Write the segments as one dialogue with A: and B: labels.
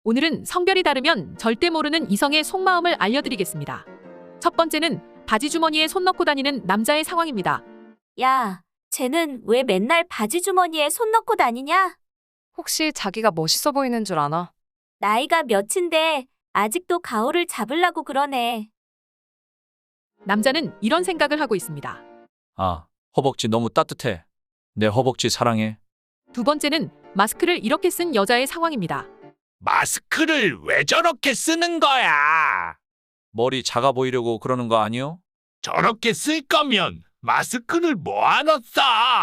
A: 오늘은 성별이 다르면 절대 모르는 이성의 속마음을 알려드리겠습니다. 첫 번째는 바지 주머니에 손 넣고 다니는 남자의 상황입니다.
B: 야, 쟤는 왜 맨날 바지 주머니에 손 넣고 다니냐?
C: 혹시 자기가 멋있어 보이는 줄 아나?
B: 나이가 몇인데 아직도 가오를 잡으려고 그러네.
A: 남자는 이런 생각을 하고 있습니다.
D: 아, 허벅지 너무 따뜻해. 내 허벅지 사랑해.
A: 두 번째는 마스크를 이렇게 쓴 여자의 상황입니다.
E: 마스크를 왜 저렇게 쓰는 거야?
D: 머리 작아 보이려고 그러는 거 아니요?
E: 저렇게 쓸 거면 마스크를 뭐하러 써?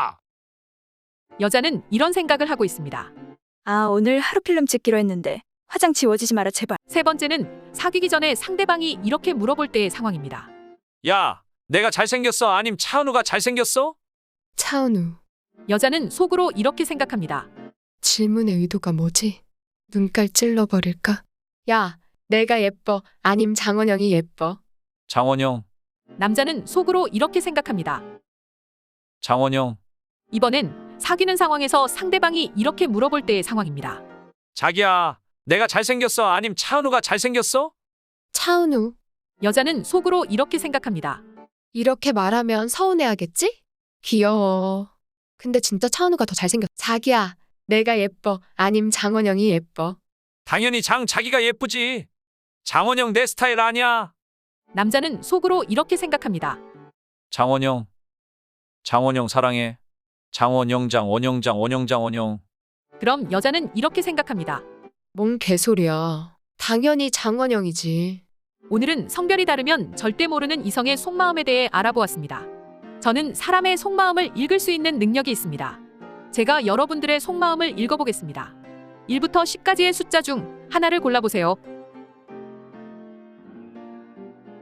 A: 여자는 이런 생각을 하고 있습니다.
F: 아, 오늘 하루 필름 찍기로 했는데 화장 지워지지 마라 제발.
A: 세 번째는 사귀기 전에 상대방이 이렇게 물어볼 때의 상황입니다.
D: 야, 내가 잘생겼어? 아님 차은우가 잘생겼어?
G: 차은우,
A: 여자는 속으로 이렇게 생각합니다.
G: 질문의 의도가 뭐지? 눈깔 찔러버릴까? 야, 내가 예뻐? 아님 장원영이 예뻐?
D: 장원영,
A: 남자는 속으로 이렇게 생각합니다.
D: 장원영.
A: 이번엔 사귀는 상황에서 상대방이 이렇게 물어볼 때의 상황입니다.
D: 자기야, 내가 잘생겼어? 아님 차은우가 잘생겼어?
G: 차은우,
A: 여자는 속으로 이렇게 생각합니다.
G: 이렇게 말하면 서운해하겠지? 귀여워. 근데 진짜 차은우가 더 잘생겼어. 자기야, 내가 예뻐? 아님 장원영이 예뻐?
D: 당연히 자기가 예쁘지. 장원영 내 스타일 아니야.
A: 남자는 속으로 이렇게 생각합니다.
D: 장원영. 장원영 사랑해. 장원영장, 원영장, 원영장, 원영.
A: 그럼 여자는 이렇게 생각합니다.
G: 뭔 개소리야. 당연히 장원영이지.
A: 오늘은 성별이 다르면 절대 모르는 이성의 속마음에 대해 알아보았습니다. 저는 사람의 속마음을 읽을 수 있는 능력이 있습니다. 제가 여러분들의 속마음을 읽어보겠습니다. 1부터 10까지의 숫자 중 하나를 골라보세요.